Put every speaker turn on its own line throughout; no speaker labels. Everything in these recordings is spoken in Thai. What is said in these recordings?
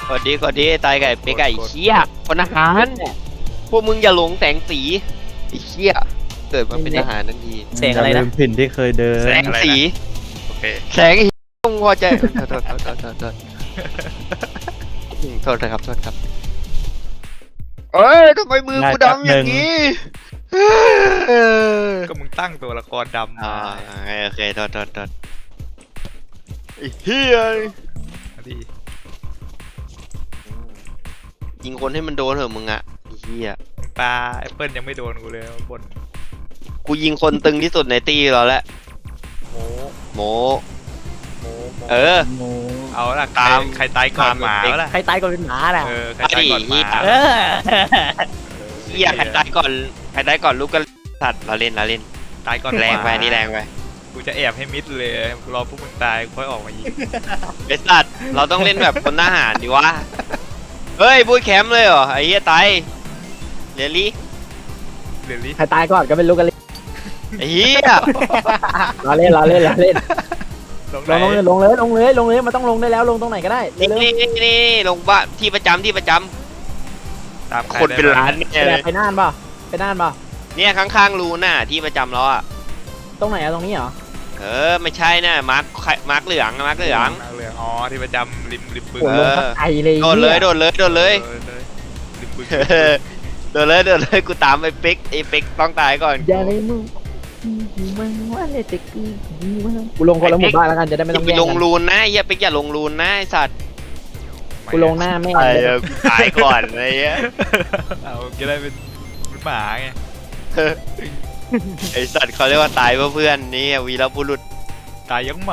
กดดีตายไก่ไปไก่เชี่ยคนอาหารพวกมึงอย่าหลงแสงสีไอ้เชี่ยเกิดมาเป็นอาหารทันที
แสงอะไรนะ
ลืมถิ่นที่เคยเดิน
แสงสี
โอเค
แสงต้องพอใจโทษครับเอ้ยทำไมมือกูดำอย่างนี้
ก็มึงตั้งตัวละครดำมา
โอเคโทษไอ้เฮีย
ดิ
ยิงคนให้มันโดนเถอะมึงอะไอ้เฮีย
ปลาแอปเปิลยังไม่โดนกูเลยบน
กูยิงคนตึงที่สุดในตีเราแล้ว
โม
โม
โม
เออ
โม
เอาละ
ตาม
ใครตายก่อน
ตาม
หมา
เด็ก
วะล่ะ
ใครตายก่อนเป็นหมาน่ะ
ใครตายก่อนหมา
เออ
เฮียใครตายก่อนลูกก็สัตว์เราเล่น
ตายก่อน
แรงไป
หมา
นี่แรงไป
กูจะแอบให้มิดเลยรอพวกมึงตายค่อยออกมายิง
ไอ้สัตว์เราต้องเล่นแบบคนทหารดิวะเฮ้ยบูทแคมป์เลยเหรอไอ้เหี้ยตายเรลลี่
เดี๋ยวนี้
ใครตายก่อนก็เป็นลูกกันเลย
ไอ้เหี้ย
เราเล่นลงเลย
ลงไหน
ลงเลยมันต้องลงได้แล้วลงตรงไหนก็ได้เร็ว
นี่ลงบ้านที่ประจำ
ตามใร
คนเป็น
ได้บ้ง
ล้านเนี่ยเลย
ไปน่านป่ะ
เนี่ยข้างๆรูน่ะที่ประจำเราอ่ะ
ตรงไหนอะตรงนี้เหรอ
ไม่ใช่น่ะมาร์คเหลือง
เหลืองอ๋อที่ประจำริมบึง
โหลงสักไกลเลย
โดนเลย
ริมบึง
โดนเลยกูตามไอ้ปิ๊กต้องตายก่อน
อย่าเลยมึงมึงว่าเลยตะกี้กูลงคนละหมู่บ้านแล้วกันจะได้ไม่ต้อง
ไป
แย่ง
ลง
กัน
รูนนะไอ้เหี้ยปิ๊กอย่าลงรูนนะไอ้สัตว์
กูลงหน้าแม่
กูตายก่อนไอ้เหี้ย
เอาจะได้เป็นหมาไง
ไอสัตว์เขาเรียกว่าตายเพื่อเพื่อนนี่วีรบุรุษ
ตายยังหมา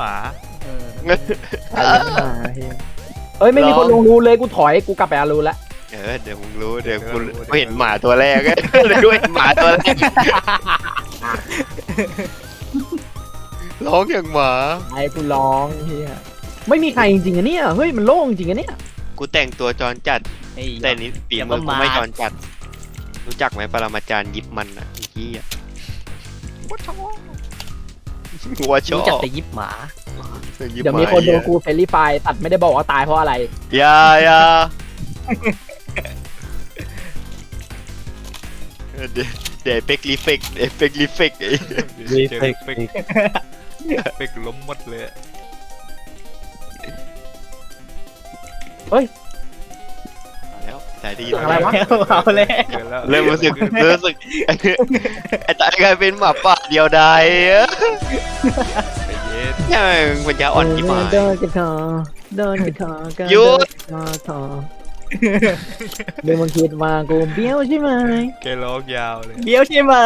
เอ้ยไม่มีคนลงรูเลยกูถอยกูกลับไปอารูแล้ว
เดี๋ยวมึงรู้เดี๋ยวกูเห็นหมาตัวแรกเลยกูเห็นหมาตัวแรกร้องอย่างหมา
ไอ้กูร้องเฮียไม่มีใครจริงๆอะเนี่ยเฮ้ยมันโล่งจริงอะเนี่ย
กูแต่งตัวจรจัดแต่นี้ปีมือกูไม่จรจัดรู้จักไหมปรมาจารย์ยิบมันอ่ะที่หัวชอ
รู้จัก
บ
แต่ยิบหมา
ยิบ
เดี๋ยวมีคนโดนกูเฟรลี่ไฟตัดไม่ได้บอกว่าตายเพราะอะไร
อย่าเดี๋ยวเป็กรีเฟกไอ้
เจอเป็กล้มหมดเลย
แล้วแต่ดี
อะไรวะ
เอาเลย
เริ่มรู้สึกไอ้ตายกลายเป็นหมาป่าเดียวดาย
ไปเย็น
เนี่ยมันจะอ่อนที่หมาย
เดินกันกัน
หยุด
มาทอเดี๋ยวมึงคิดว่ากูเบี้ยวใช่ไหม
แกร้องยาวเลย
เบี้ยวใช่ไหม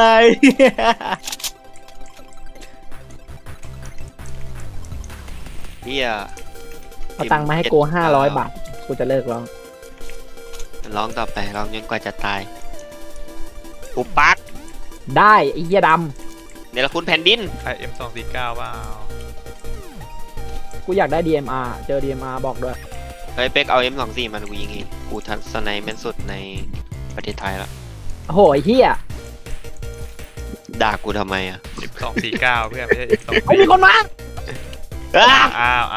เฮีย
เอาตังค์มาให้กู500 บาทกูจะเลิกร้อง
ร้องต่อไปร้องจนกว่าจะตายอุปปัก
ได้ไอ้เหี้ยด
เนรคุณแผ่นดิน
ใคร M249 ว่าเอา
ำกูอยากได้ DMR เจอ DMR บอกด้วย
เฮ้ยเป็กเอา M24 มันกูยิงเองกูทัศนัยแม่นสุดในประเทศไทยแล้ว
โอ้โหไอ้เหี้ย
ด่ากูทำไมอ่ะ
M249 เพื่อนไม่ใช่ M2
ไอ้ยมีคนมา
อ้าว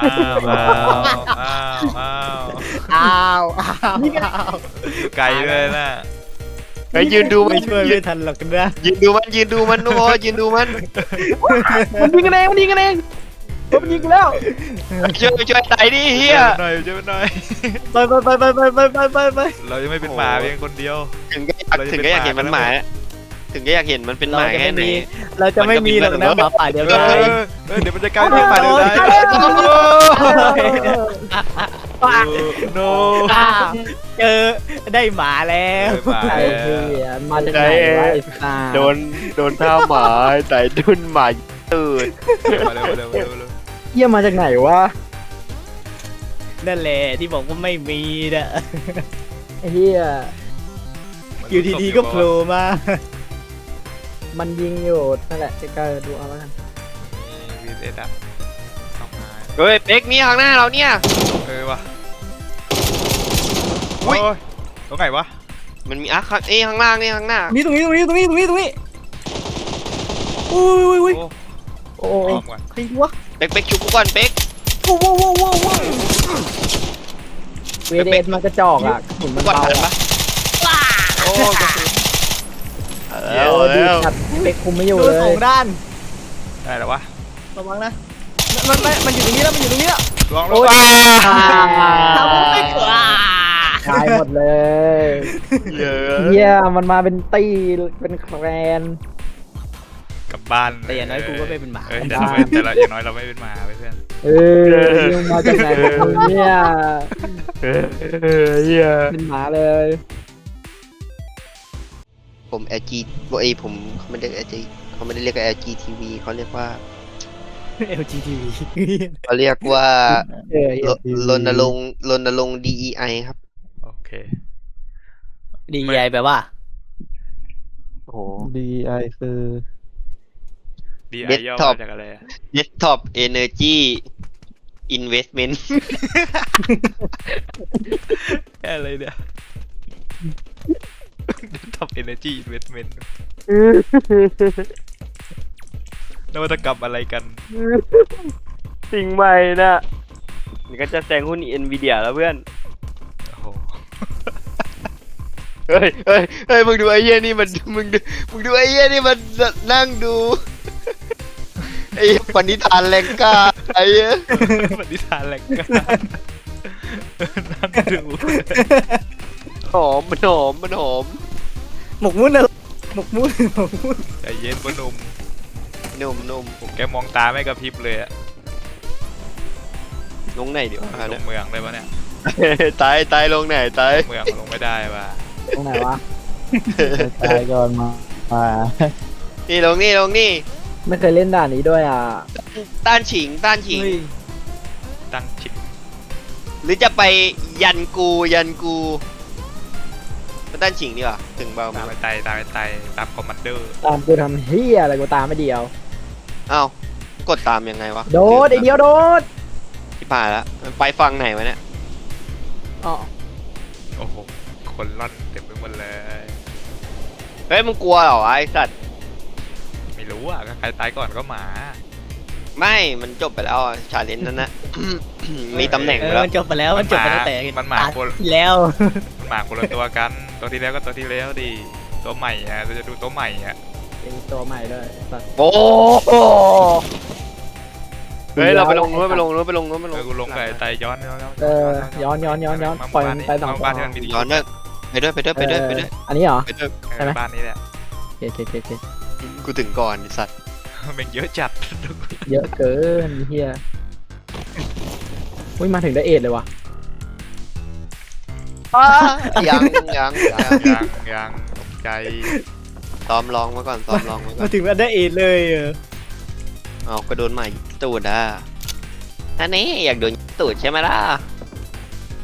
อยู่ไกลเลยนะ
เฮ้ยยืนดูมัน
ไม่ช่วยไม่ทันหรอกนะ
ยืนดูมันยืนดูมันทุกคนยืนดูมัน
มันยิงกันเองมันยิงกูแล้ว
ช่วยตายดิเฮีย
หน่อยช่วยหน่อย
ไป
เรายังไม่เป็นหมาเพียงคนเดียว
ถึงก็อยากเห็นมันหมาถึงก็อยากเห็นมันเป็นห
เรา
มา
จะ
แค่
ไม่
ไหน
มีเราจะไม่มีหรอกนะหมาป่าเดียวดาย
เดี๋ยวมันจะกลายเป็นหมาเดียวดายโน
เจอได้หมาแล้ว
ไอ้เหี้ยมาจากไหนวะไอ้สัส
โดนท่าหมาแต่ดุนหมาตื่น
มาเร็ว
เหี้ยมาจากไหนวะ
นั่นแหละที่บอกว่าไม่มีนะ
ไอ้เหี้ย
อยู่ดีๆก็โผล่มา
มันยิงอยู่นั่นแหละใกล้ๆดูเอาแล้วกัน
วีเอสอ่ะเข้ามา
เฮ้ยเป็กนี่ข้างหน้าเราเนี่ย
ว่ะโอ้ยตรงไหนวะ
มันมีข้างล่างนี่ข้างหน้า
นี่ตรงนี้อุ้ย
โอ้
อ้
ย
อมก่อน
ใครวะ
เป็กชุบกูก่อนเป็ก
ว้าว
เวเดนมันกระจอกอ่ะขุนมัน
วัด
เบา
ทันปะ
โอ้กระสุน
แล้ว
ดี
แล้ว
จัดเป๊กคุมไม่อยู่
โด
เล
นสอย งด้าน
ได้แล้ววะ
ระวังนะมันอยู่ตรงนี้แล้วมันอยู่ตรงนี้แล้ว
ลองล
โอ๊
ง
ย
ทำไม่กล้า
ตายหมดเลย
เยอะ
เฮียมันมาเป็นตีเป็นแครน
กลับบ้าน
แต่อย่างน้อยกูก็ไม่เป็นหมา
เออแต่เราไม่แต่เราอย่างน้อยเราไม่เป็นหมาเพื่อน
เออยังมาจากไหนของมึงเนี่ย
เฮีย
เป็นหมาเลย
ผม LG ไอผมเขาไม่ได้เรียก LG เขาไม่ได้เรียก LGTV เขาเรียกว่า
LGTV
เขาเรียกว่า
เออ
รณรงค์ DEI ครับ
โอเค
ดีไอแปลว่า
โอ้โห
DI คือ
ดีไอ
Desktop
ย่อมาจากอะไรอะ
Desktop Energy Investment
อะไรเนี่ย Desktop Energy Investment นวัตกรรมอะไรกัน
สิ่งใหม่นะนี่ก็จะแซงหุ้น Nvidia แล้วเพื่อน
โอ้โห
เฮ้ยมึงดูไอ้เหี้ยนี่มันมึงดูไอ้เหี้ยนี่มันนั่งดูไอ้ปณิธานแรงกล้าไอ้เหี้ย
ปฏิทานแหลกกานั่งดู
หอมมันหอมมันหอม
หมกมุ่นนะหมกมุ่นหมกมุ่น
ใจเย็นปะหนุ่ม
นุ่ม
ผมแกมองตาไม่กระพริบเลยอะ
ลงไหนเดี๋ยว
ลงเมืองเลยปะเนี่ย
ตายลงไหนตาย
เมืองลงไม่ได้ว่ะ
ตรงไหนวะตายก่อนมา
นี่ลงนี่
ไม่เคยเล่นด่านนี้ด้วยอ่ะ
ต้านฉิง
เฮ้ย
ตั้งชิป
หรือจะไปยันกูไปต้านฉิงดีกว่าถึงเบา
ตามไปไตตามคอมมานเดอร์
ตามกูทำเฮียอะไรกูตามไม่เดียว
อ้าวกดตามยังไงวะ
โดดไอเดียวโดด
ที่ผ่านแล้วมันไปฟังไหนวะเนี่ย
อ๋อ
โอ้โห คนร่อนเต็มไปหมดเลย
เฮ้ยมึงกลัวเหรอไอ้สัตว์
ไม่รู้อ่ะก็ใครตายก่อนก็หมา
ไม่มันจบไปแล้วชาเลนจ์นั้นนะ มีตำแหน่ง
เอ
ไป
อ
แล้ว
มันจบไปแล้วมันจบไปตั้งแต่
มันหมา
ต
คน
ที่แล้ว
มันหมาคนละตัวกัน ตัวที่แล้วก็ตัวที่แล้วดิ ตัวใหม่อ่ะเราจะดูตัวใหม่อ่ะ
เป็นตัวใหม่ด้วยสัตว์
โอ้โหเฮ้ยเราไปลงนู้น
เออกูลงไปไตย้อน
เออย้อนปล่อยมันไปสอง
บ้านที่มันมี
ย้อนด้วยไปด้วย
อันนี้เหรอ
ไปด้วย
ใช่ไหม
บ้านนี้แหละ
โอเค
กูถึงก่อนไอ้สัตว์
มันเยอะจัด
เยอะเกินเฮียอุ้ยมาถึงได้เอ็ดเลยวะ
ยัง
ยังตกใจ
ซ้อมลองมาก่อน
มาถึงมันได้เอทเลยเออ
เอาก็โดนใหม่ตูดอ่ะอันนี้อยากโดนตูดใช่ไหมล่ะไป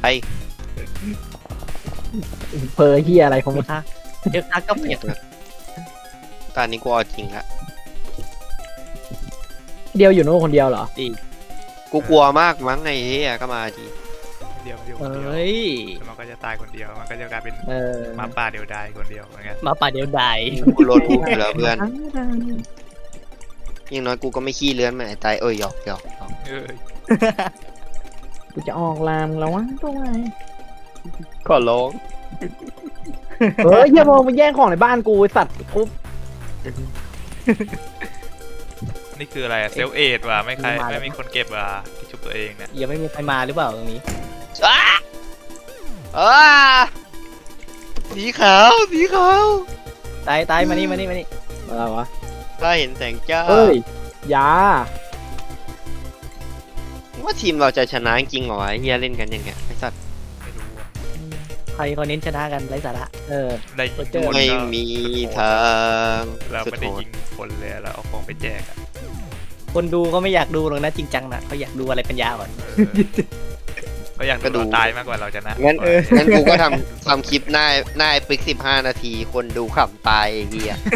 เพอเฮียอะไรของมึง
เดี๋ยวทักก็เปลี่ยน
ตอนนี้กูเอาจริงละ
เดียวอยู่โน่นคนเดียวเหรอ
กูกลัวมากมั้งไอ้เหี้ยก็มาที
เดียว
เฮ้ย
มันก็จะตายคนเดียว มันก็จะกลายเป็น
เออ
หมาป่าเดียวดายคนเดียวเหมือนกัน
มาป่าเดียวดาย
กูโหลดรูปอยู่แล้วเพื่อนอย่างน้อยกูก็ไม่ขี้เลื้อนเหมือนไอ้ตายหยอก
เออ
กูจะออกลามแล้ววะตัวไหน
ขอร้อง
เฮ้ยเฮียโมมึงแย่งของในบ้านกูไอ้สัตว์กู
นี่คืออะไรอะเซลเอทว่ะไม่มีคนเก็บว่ะที่ชุบตัวเองเนี่ย
ยังไม่มีใครมาหรือเปล่าตรงนี้
สีขาว
ตายมานี่
อะไรวะ
ถ้าเห็นแสงจ้า
เฮ้ยยา
ว่าทีมเราจะชนะจริงเหรอวะไอ้เฮียเล่นกันอย่างเงี้ยไอ้สัตว์
ไม่รู้อะ
ใครเขาเน้นชนะกันไร้สาระ
เออ
ได้ยิง
เจอ
คน
ไม่
ก็
มีทาง
เรา
สุด
ไม่ได้
โหด
ยิงคนเลยเราเอาของไปแจกอะ
คนดูก็ไม่อยากดูหรอกนะจริงจังนะเขาอยากดูอะไรเป็นยาก่อน
ก็อยากดูเราตายมากกว่าเราชนะ
งั้นกูก็ทำคลิปหน้าไอ้ปิ๊ก15 นาที คนดูขำตายไอ้เฮีย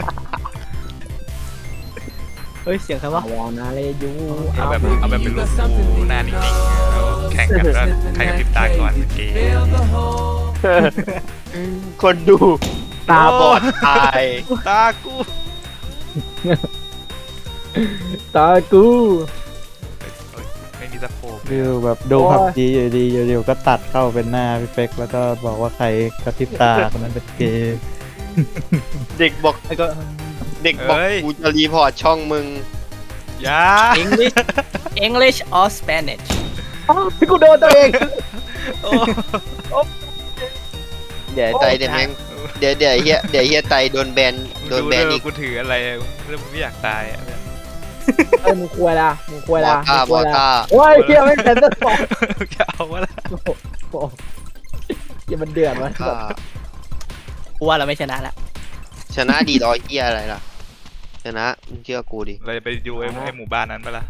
เฮ้ยเสียงใครวะ
วอนาเลยู
เอาแบบเป็นรูปกูหน้านิ่งๆแล้วแข่งกันว่าใครกระพริบตาก่อนเกม
คนดูตาบอดตาย
ตากู
ตากู
ไม่มีจะโผล่
วิวแบบดูผับจีอยู่ดีอยู่ๆก็ตัดเข้าเป็นหน้าพี่เป๊กแล้วก็บอกว่าใครกระพริบตาคนนั้นเป็นเกย์
เด็กบอก
แล้วก็
เด็กบอกกูจะรีพอร์ตช่องมึง
อยา
English or Spanish
พี่กูโดนตัวเอง
โอ้
เดี๋ยวใจเดี๋ยวแม่งเดี๋ยวเฮียใจโดนแบนอีก
กูถืออะไรเรื่องไม่อยากตายอ่ะ
มึงควยละมึงควยละ
มอต้า
โอ้ยเฮียไม่เป็นตัวบอก
จะเอาวะล่ะ
โอ้โหเฮียมันเดือดวะ
ก็
กูว่าเราไม่ชนะละ
ชนะดีรอยเฮียอะไรล่ะชนะมึงเชื่อกูดิ
เราจะไปดูไอ้หมู่บ้านนั้นปะล่ะ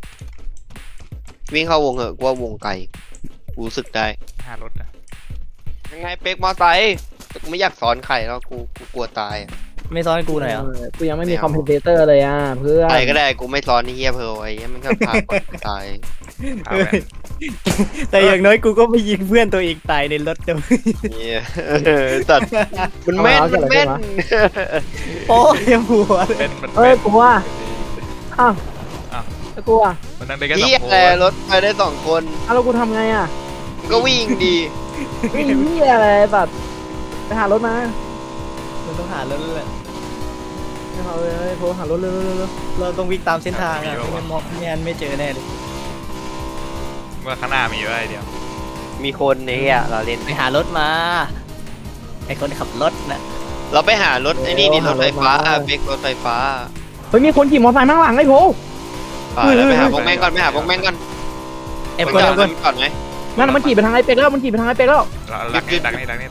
วิ่งเข้าวงเหอะกูว่าวงไกลกูรู้สึกได้
5 รถอ่ะ
ยังไงเป๊กมอไซค์แต่กูไม่อยากสอนใครแล้วกูกลัวตายอะ
ไม่ซ้อนกูหน่อยเหรอ
กูยังไม่มีคอมเพนเซเตอร์เลยอ่ะเพื่อน
ใครก็ได้กูไม่สอนไอ้เฮียเพอไอ้เฮียมันก็พาคนตาย
เอาแม่ง
แต่อย่างน้อยกูก็ไม่ยิงเพื่อนตัวเองตายในรถเดียว
เนี่ยตัดมันแม่น
โอ้ยหัวเลย
เป็นมัน
เอ้ยกูว่าอ้าวแล้วกูอ่ะ
มันนั่งได้แค่
เฮี
2
ย
ค
อะไร
น
รถไปได้2 คน
แล้วกูทำไงอ่ะ
มึงก็วิ่งดี
วิ่งเฮียอะไรแบบไปหารถมา
มันต้องหารถแหละ
ไปหาเลยโทรหารถเร็ว
เราต้องวิ่งตามเส้นทางอ่ะไม่งั้นมองไม่งั้นไม่เจอแน่เลย
ว่าข้างหน้ามีไว้เดียว
มีคนในเฮียเราเล่น
ไปหารถมาไอคนขับรถน่ะ
เราไปหารถไอ้นี่รถไฟฟ้าเป๊กรถไฟฟ้า
เฮ้ยมีคนขี่มอเตอร์ไซค์มาข้างหลังไอ้โพ
แล้วไปหาพวกแม่งก่อนไปหาพวกแม่งก่อน
ไอ้คน
ก่
ไอ้คน
ก่อนไหม
นั่นมันขี่ไปทางไอ้เป็กแล้วมันขี่ไปทางไอ้เป็กแล้ว
ดักนี่
นั่งไง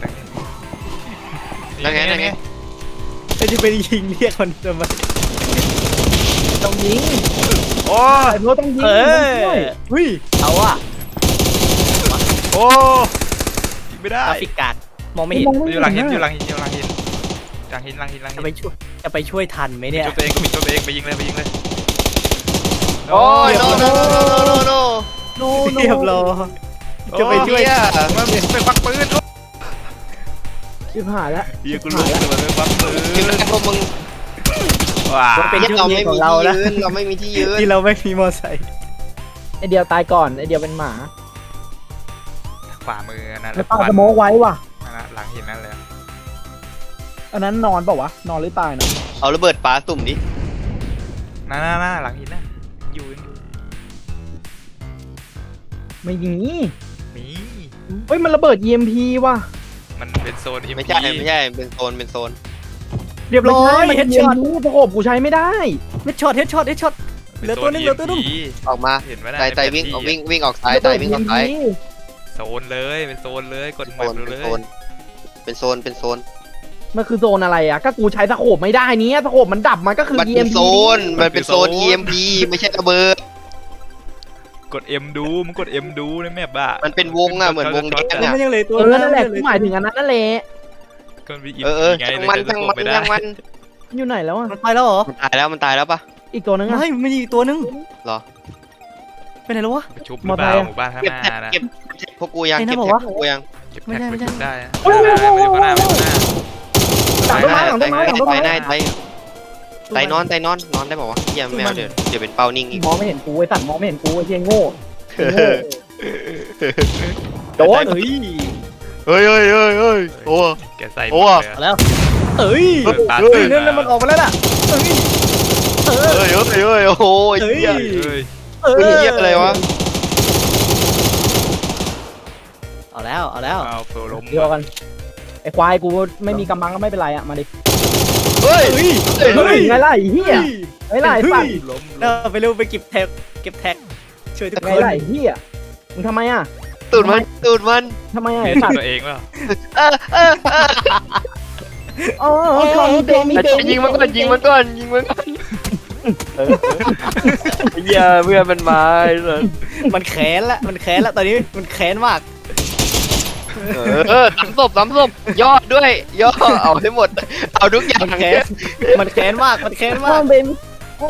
ไอ้ที่ไปยิงเรียกคนจะมา
ต้องยิง
โอ้
ไอ้โพต้องยิง
เออ
เฮ้ย
เอาอ่ะ
โอ้ยิงไม่ได้
กราฟิกการ์ดมองไม่เห็น
อยู่หลังหินหลังหิน
จะไปช่วยทันไหมเนี่ย
จุดตัวเองก็มีตัวเองไปยิงเลย
โอ้ยโน
โน
เรียบร้อยจะไปช่วย
มันไปฟักปืน
ชิบหายแล้ว
เฮียกูรู้เลยมันไปฟักปืน
ยืนกันพวกมึง
ว้า
เป็น
เรา
ช่วง
ไม่
นี้ข
มี
องเรา
ที่
นะ
ยืนเราไม่มีที่ยืน
ที่เราไม่มีมอไซค์
ไอเดียวตายก่อนไอเดียวเป็นหมา
ขวามือนั่น
ไอป้าสโมกไว้ว่ะ
หลังหินนั่นเลย
อันนั้นนอนเปล่าวะนอนหรือตายนะ
เอาระเบิดปาสุ่มดิ
น่าหลังหินน่ะอยู่
ไม่ยิงนี่
มี
เฮ้ยมันระเบิด EMP ว่ะ
มันเป็นโซน
ไม่ใช่เป็นโซน
เรียบร้อย
มัน
เฮ
เป็น
ดช็อต
EMP ประกบกูใช้ไม่ได้
เฮดช็อตเหลือตัวนึง
ออกมา
เห็นไหม
ใจวิ่งออกซ้ายใจวิ่งออกซ้าย
โซนเลยเป็นโซนเลยกด
โซ
มัน
น
เลย
เป็นโซน
มันคือโซนอะไรอ่ะก็กูใช้ตะโขบไม่ได้เนี้ยตะโขบมันดับมันก็คือ
มันเป็น
EMP
โซน EMP ไม่ใช่ระเบิด
กด M ดูมึงกด M ดูในแมปอะ
มันเป็นวงอะเหมือนวงแดง
มั
อะ
นยังเหลือตัว
นั่นแหละกูหมายถึงอันนั้นนั่นแหละ
ก็มี
ช่างมัน
อยู่ไหนแล้วอ่ะ
มันไปแล้วเหรอ
มันตายแล้วปะ
อีกตัวนึงอ่ะ
ไม่มันอีกตัวนึง
เหรอ
ไปไหนแล้ววะ
ไปชุบหรือเปล่าหมู่บ้านข้าง
เก็บ
หน้า
แท็ก
นะ
เก็บพวกกูยัง
ไอ้นั่
เก็
น
บ
บอก
แท็ก
ว่า
พวกกูยัง
เก็บแท็กไปชุบได้
โอ้ย
ไปอยู่ข้างหน้า
หลังต้นไม้หลังต้นไม้หลังต้นไม้
ไตนอนได้บอกว่าเยี่ยมแมวเดี๋ยวเป็นเป้านิ่งอีก
มองไม่เห็นกูไอ้สัตว์มองไม่เห็นกูไอ้เหี้ยโง่โดน
เฮ้ย
เฮ้ยโอ้
แกใส่
โอ้
แล้วเอ้ย
ตา
นั่นมันออกมาแล้วน่ะเอ้ย
โอ้ยเหี้ย เหี้ยอะไรวะ
เอาแล้ว
เอาเฟลล้ม
เดี๋ยวกันไอ้ควายกูไม่มีกำบังก็ไม่เป็นไรอ่ะมาดิ
เฮ้ย
ไงล่ะไอ้เหี้ยไงล่ะไอ้สัตว์
ล้ม
เราไปเร็วไปเก็บแท็กช่วยทุก
ไง
คน
ล่ะไอ้เหี้ยมึงทำไมอ่ะ
ตูดมัน
ทำไมอ่ะ
เห็
ไอ้
น
สัตว์
ตัวเองเปล่า
อ๋อมีเบน
ยิงมันก่อนเหี้ยเพื่อนมันมาเลย
มันแค้นละตอนนี้มันแค้นมาก
ซ้ำศพย่อด้วยย่อเอาให้หมดเอาทุกอย่าง
มันแค้นมาก
ห้องเบนโอ้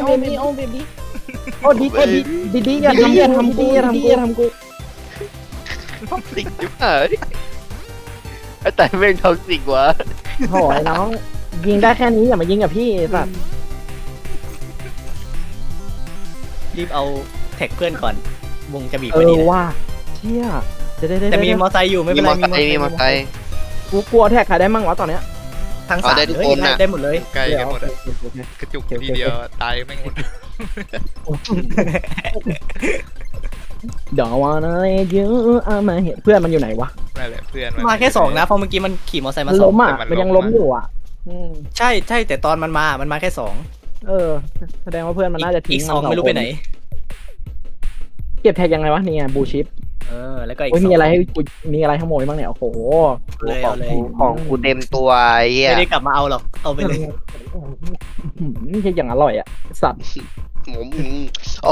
ดีอย่าทำกู
ท็อกซิกจิ๊บหายแต่แม่งท็อกซิกวะ
โหยน้องยิงได้แค่นี้อย่ามายิงกับพี่สัตว์
รีบเอาแท็กเพื่อนก่อนวงจะบีบ
เอ
พอดี
อ
นะ
ว่าเชี่ยจะได้
แต่มีมอไซค์อยู่ไม่
มี
เป็น
ม
ไร
อไซค์มีมอไซค์
กูกลัวแท็กใครได้มั่งวะตอนเนี้ย
ทั้ง
เอา
สาม
ได้ทุก
เลย
คนน่ะ
ได้หมดเลย
ใกล้กันหมดอะ
โอเค
กระจุกทีเดียวตายไม่งหมด
เดี๋ยววันอะไรเยอะเอามาเห็นเพื่อนมันอยู่ไหนวะ
นั่นแหละเพื่อน
มาแค่สองนะเพราะเมื่อกี้มันขี่มอเตอร์ไซค์
มั
มาน สอ
ล้
ง
มอ่ะ
แต่มัน
มันยัง
ล้
ล้
ม
ม
นะ
อยู่อ่ะ
ใช่ใช่แต่ตอนมันมาแค่สอง
เออ แสดงว่าเพื่อนมันน่าจะทิ้
อี
ง
กสองไม่รู้ไปไหน
เก็บแท็กยังไงวะนี่ไงบูชิป
แล้วก็อีก
โอ้ย
สอง
มีอะไรให้กูมีอะไรขโมยบ้างเนี่ยโอ้โห
เลยเอาเลย
ของกูเต็มตัวไอ้เหี้ย
ไม่ได้กลับมาเอาหรอกเอาไปเลย
ใช่อย่างอร่อยอ่ะสัตว์
ผมโอ้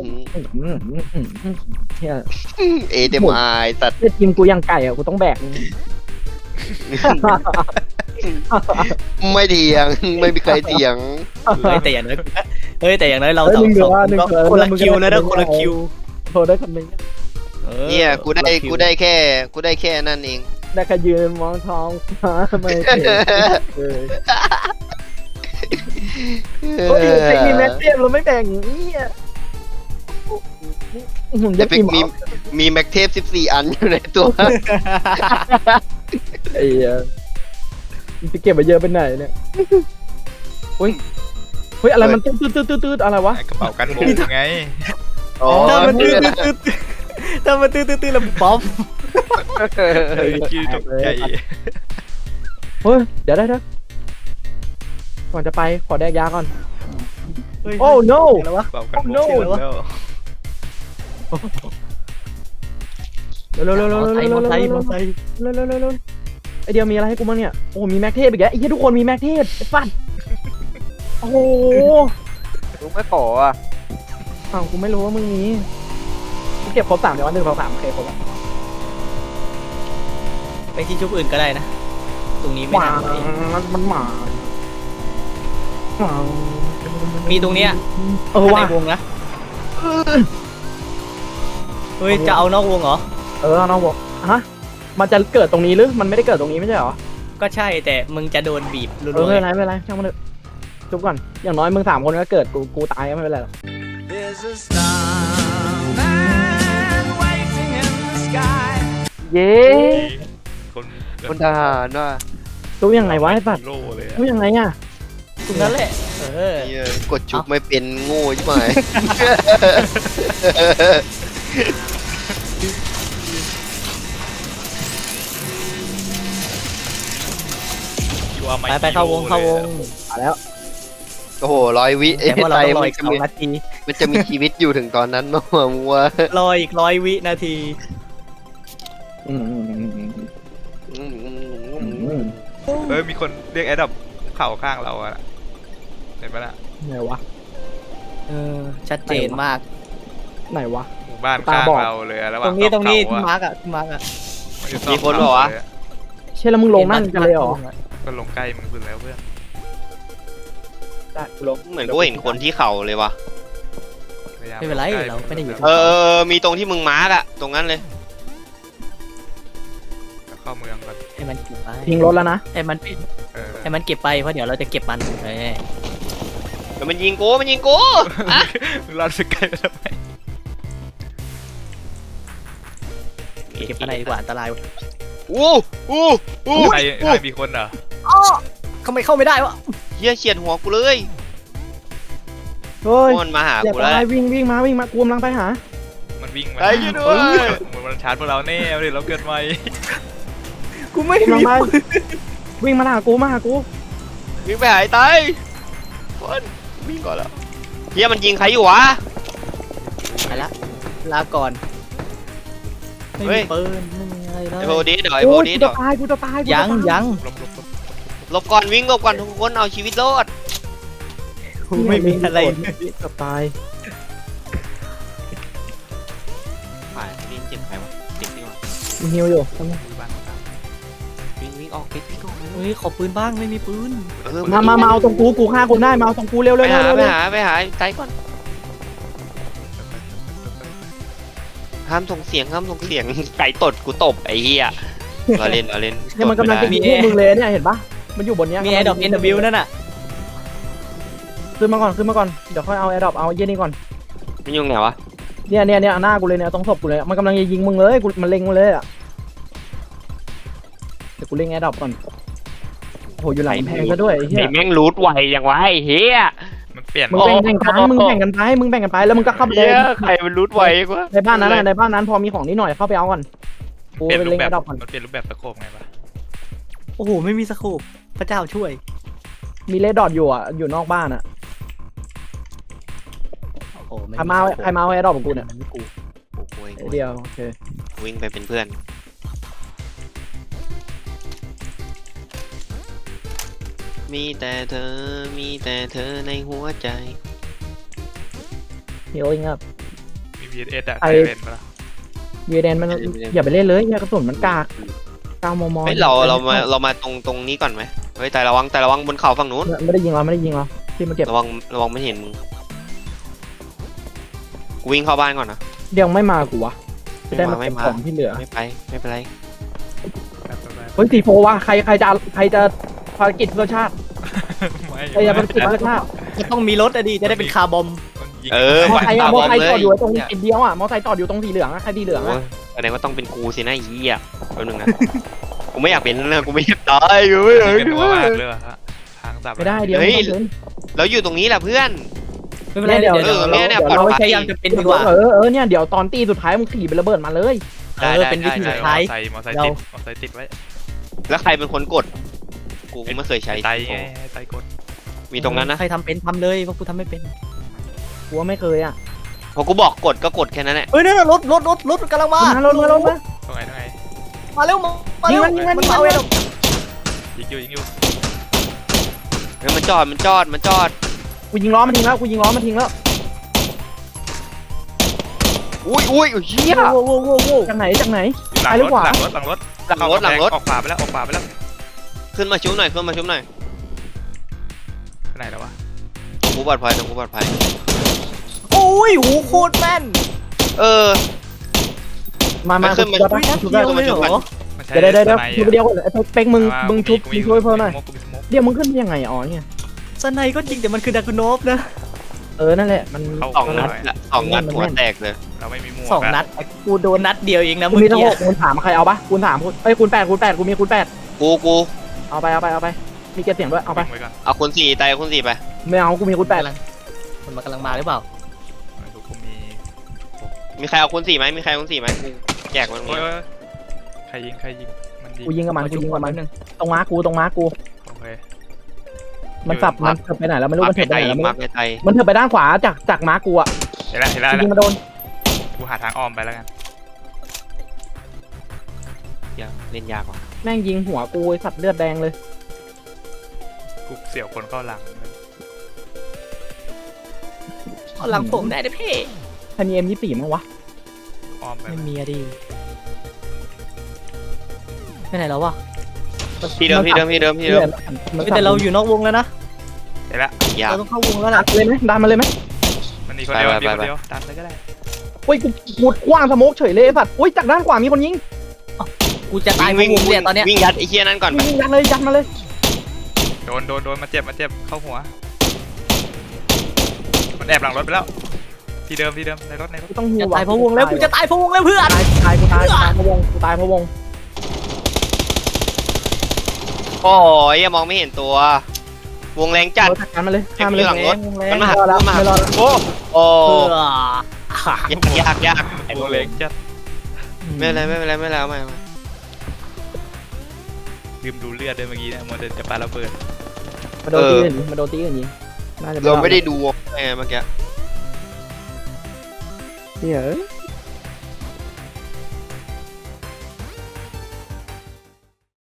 เฮีย
เอเดมไอสัตว์
ทีมกูยังไก่อ่ะกูต้องแบก
ไม่เถียงไม่มีใครเถียง
แต่อย่างน้อยเราสองก็คนละคิวแล้วนะคนละคิว
โทรได้คนนึง
เนี่ยกูได้แค่นั่นเอง
ได้แค่ยืนมองท้องฟ้าไม่เห็นเฮ้ยไอ้มีแม็กเทียมเราไม่แบ่งนี่อ่ะ
แต่เป็นมีแม็กเทป14 อันอยู่ในตัว
ไอ้มันจะเก็บไปเยอะไปไหนเนี่ยเฮ้ยอะไรมันตืดอะไรวะ
กระเป๋ากันโมงไง
อ๋อ
ถ้ามันตื้อแล้วป๊อป
คิวตกใจ
เฮ้ยเดี๋ยวก่อนจะไปขอแดกยาก่อน โอ้ no
แล้ววะ
กระเป๋ากันโมงแล้ว
เร็ว
มอไซค์
ไอเดียวมีอะไรให้กูบ้างเนี่ยโอ้มีแม็กเทปอีกแล้วไอ้เหี้ยทุกคนมีแม็กเทปไอ้ฟัดโอ้โห
ลุงไม่ขออ่ะ
อ้าวกูไม่รู้ว่ามึงมีกูเก็บครบ3เดี๋ยววัน1 2 3โอเคครบแล้ว
ไปที่ชุบอื่นก็ได้นะ ตรงนี้ไม่
หมา
น่า
มันหมา
มีตรงเนี้ย
ว่ะ
ในวงนะเฮ้ยจะเอานอกวงเหรอ
น้องบอกฮะมันจะเกิดตรงนี้หรือมันไม่ได้เกิดตรงนี้ไม่ใช่เหรอ
ก็ใช่แต่มึงจะโดนบีบรัว
ไม่เป็นไรช่างมันเถอะจุบก่อนอย่างน้อยมึง3 คนก็เกิดกูตายก็ไม่เป็นไรหรอก เย้
คน
คนทหารว่ะ
จุบยังไงวะไอ้สัตว์
โล่เลย
จุบยังไงอ่ะ
ๆตรงนั้นแหละ
เนี่ยกดจุกไม่เป็นโง่ใช่ไหม
ไปเข้าวง
มาแล้ว
โอ้โห100 วิ
แต่พวกเราต้องรอ
มั
อีก2 นาที
มันจะมีชีวิตอยู่ถึงตอนนั้นมั้งมึงว่า
รออีก100 วินาที
เฮ้ยมีคนเรียกแอดดับเข่าข้างเราอะเห็นปะล่ะ
ไหนวะ
ชัดเจนมาก
ไหนวะ
หมู่บ้านข้างเราเลยระห
ต
ว่า
รงนี้
เขา
ที่
อะ
มาร์กอะ
มีคนเหรอวะ
เช่แล้วมึงลงนั่นกันเลยเหรอ
ก็ลงใกล้มึงสุดแล้วเพื่อน
ได้กูลง
เหมือนกูเห็นคนที่เขาเลยวะ
พยายาม
ไม่เป็นไรเราไม่ได้อยู่
มีตรงที่มึงมาร์กอะตรงนั้นเลย
เข้าเมืองก่อน
ให้มันเก็บไป
ทิ้งรถแล้วนะ
ให้มันเก็บไปเพราะเดี๋ยวเราจะเก็บมัน
เดี๋ยวมันยิงกูอะ
มึงรอดไปใกล้ไปทำไม
เก็บอะไรดีกว่าอันตราย
อู้
ใครมีคนเหรอ
ทำไมเข้าไม่ได้วะ
เฮียเฉียดหัวกูเลย
เฮ้ย
มันมาหา
อย่า
กู
ไป
แล้ว
วิ่งมากูกำลังไปหา
มันวิ่งมา
ไอ้เหี้ยด้วย
เหมือนมันชาร์จพวกเราแน่เลยเราเกิดใหม่
กูไม่
กำลัง
มี
ไปวิ่งมาหากู
วิ่งไปหายตายคนวิ่งก่อนแล้วเฮียมันยิงใครอยู่วะ
ไปละลาก่อนไม่
เฮ้
มี
ย
ปืนไม่มีอะไรเล
ไอ้
ย
โพดีเดี๋ยวไอ้
โอ้
โพ
ย
ดี
กู
เดี๋
จะ
ยว
ตายกูจะตาย
ยัง
ลบ
หลบก่อนวิ่งหลบก่อนทุกคนเอาชีวิตรอด
กูไม่มีอะไร
จะตาย
ผ่านวิ่งเจ็บใครวะเจ็บดีกว่า
มีฮิวอยู่
วิ่งออกไปวิ่งออก
เฮ้ยขอปืนบ้างไม่มีปืน
มาเอาตรงกูฆ่าคนได้มาเอาตรงกูเร็ว
ไปหาใจก่อนห้ามส่งเสียงไก่ตดกูตบไอ้เหี้ยเราเล่น
เนี่ยมันกำลังจะยิงพวกมึงเลยเนี่ยเห็นปะมันอยู่บนเนี้ย
มีแอร์ดรอป NW นั่นน่ะ
ขึ้นมาก่อนเดี๋ยวค่อยเอาแอร์ดรอปเอาเย็นนี่ก่อน
มันอยู่ไหนวะ
เนี่ยหน้ากูเลยเนี่ยตรงศพกูเลยมันกำลังจะยิงมึงเลยมันเล็งมาเลยอ่ะเดี๋ยวกูเล็งแอร์ดรอปก่อนโอ้โหอยู่หลังกำแพงซะด้วยไอ้เหี้
ไอ้
ย
แม่งรูทไวอย่างวะไอ้เฮีย
มันเปลี่ยน
มึงแบ่งกันไปมึงแบ่งกันไปแล้วมึงก็เข้าไป
เฮียใครมันรูทไวกว่า
ในบ้านนั้นพอมีของนิดหน่อยเข้าไปเอาก่อนกู
เปลี่ยน
ไป
รู
เล็
ป
ง
แบ
แอบ ร์ดรอปก่อน
มันเปลี่ยนรูปแบบตะโขบไงวะ
โอ้โหไม่มีสโคปพระเจ้าช่วย
มีเลดดอทอยู่อ่ะอยู่นอกบ้านอ่ะ
โอ้โหไม่
ใครมาเอาแอร์ดรอปของกูเนี่ย
ไม่กู
โอ้โห
เดียวโอเค
วิ่งไปเป็นเพื่อนมีแต่เธอในหัวใจ
ฮีลลิ่งอัพ
มี VSS อะ
ไอ้
ใครเป็นปะล่ะ
วีแดนมันอย่าไปเล่นเลยอย่ากระสุนมันกาก9 มม.
เฮ้ยเรามาตรงนี้ก่อนไหมเฮ้ยแต่ระวังบนเขาฝั่งนู้น
ไม่ได้ยิงเราที่มันเก็บ
ระวังไม่เห็นมึงกูวิ่งเข้าบ้านก่อนนะ
เดี๋ยวไม่มากูวะจะได้มา
ไม่
เก็บ
มา
ของที่เหลือ
ไม่เป็นไร
เฮ้ย4-4ว่ะใครจะภารกิจเพื่อชาติ
ไม่
ใครจะภารกิจเพื่อชาติ
จะต้องมีรถอะดิจะได้เป็นคาร์บอม
มันยิง
มอไซค์อะมอไซค์จอดอยู่ตรง
เนี่ย
จุดเดียวอะมอไซค์จอดอยู่ตรงสีเหลืองอะใครสีเหลืองอะ
แสดงว่าต้องเป็นกูสินะไอ้เหี้ยแป๊บนึงนะ กูไม่อยากเป็นนะกูไม่อยากตายกูไม่อยาก
เป็น
ด้
ตัว
ว
มาก
ย
เลยว่ะฮะทางสับ
ไม่ได้เดี๋ยว
เฮ้ย
ไม่ต้อง
เราอยู่ตรงนี้แหละเพื่อน
ไม่เป็นไร
เดี๋
เดี๋
ย
ยว ว
เนี่ย
เรา
ปลอดภัย
พยายามจะเป็น
เดิ
ดี
น
กว่า
เนี่ยเดี๋ยวตอนตีสุดท้ายมึงขี่ไประเบิดมาเลย
เป็นวิธีสุดท้าย
มอไซค์ติดมอไซค์ติดไว้
แล้วใครเป็นคนกด กูไม่เคยใช้
ไตไงไตกด
มีตรงนั้นนะ
ใครทำเป็นทำเลยเพราะกูทำไม่เป็น
กูว่าไม่เคยอะ
พอกูบอกกดก็กดแค่นั้นแหละ
เฮ้ยนั่นนะรถกำลังมา
ลงมา
ตรงไหน
มาเร็วมาเร็ว
ยิงมัน
เอาไว้เร็ว
ยิงอยู่
เฮ้ยมันจอด
กูยิงล้อมันทิ้งแล้ว
อุ้ยเหี้ย
โว้
จากไหน
หลังรถออกขวาไปแล้ว
ขึ้นมาชุบหน่อย
ไปไหนแล้ววะ
กูปลอดภัย
โอ้ยหูโคตรแม่น
เออ
มา
ขึ้นมา
อุ้ยนัดเดียวเลยเหรอ
มันใช้
เดี๋ยว
สไน
ชุบเดียวไอ้เป็กมึงชุบช่วยเพิ่มหน่อย
กูมีสโมก
เดี๋ยวมึงขึ้นยังไงอ๋อเนี่ย
สไนก็จริงแต่มันคือดากุโนฟนะ
นั่นแหละมัน
สองนัดหัวแตกเลย
เราไม่มีหมวก
2 นัดกูโดนนัดเดียวเองนะ
กู
เมื่อ
มีทั้ง
กี้
6คูณ3ใครเอาปะคูณ3คูณ8กูมีคูณ8
กู
เอาไปมีเก็บเสียงด้วยเอาไป
ไว้ก่อน
เอาคูณ4ตายคูณ4ไป
ไม่เอากูมีคูณ8
มันกำลังมาหรือเปล่า
กูมี
มีใครเอาคูณ4ไหมกูแจกมัน
โอ้ยใครยิงมันยิง
กูยิงกับมัน
นึง
ตรงม้ากู
โอเค
มันสับมันเถิบไปไหนแล้วไม่รู้มันเถิบไปไหนแล้ว
มาไปไต
มันเถิบไปด้านขวาจากม้ากูอะ
เห็นแล้ว
ยิงมาโดน
กูหาทางอ้อมไปแล้วกัน
เล่นยากว่ะ
แม่งยิงหัวกูไอ้สัตว์เลือดแดงเลย
กูเสี่ยวคนเข้าหลัง
หลังผมได้นะพี่
ใครมี M24 มั้งวะ
อ้อมไป
ไม่มีอะดิไปไหนแล้ววะ
ที่เดิม
แต่เราอยู่นอกวงแล้วนะ
เห็นแล้ว
ยาก
เราต้องเข้าวงแล้ว
ดั
ล่ะ
นเลยไหมดันมาเลยไหม
มันมีคนเดียวดันไปก็ได้
โอ้ยกูกว้างสโมกเฉยเลยไอ้สัตว์โอ้ยจากด้านขวามีคนยิง
กูจะตายเพราะวงเนี่ยตอนเนี้ย
วิ่งยัดไอ้เหี้ยนั่นก่อน
ยิงยัดมาเลย
โดนมาเจ็บเข้าหัวมันแอบหลังรถไปแล้วที่เดิมในรถ
กูต้องหิ
จะ
ว
ตายเพราะวงแล้วกูจะตายเพราะวงแล้วเพื่อน
กูตายเพราะวง
โอ้ยมองไม่เห็นตัว วงแรงจัด
จัดการมาเลยฆ่ามาเลย
มันมาหา
ไม่รอแล้ว
โอ้
เพื่อย
าก
ไอ้โมเล็กจัด
ไม่เป็นไรไม่
ลืมดูเลือดด้วยเมื่อกี้นะโมเดลจะปาระเบิด
มาโดนตีกันยิงน่าจะ
เราไม่ได้ดูไงเมื่อกี้
เฮ้ย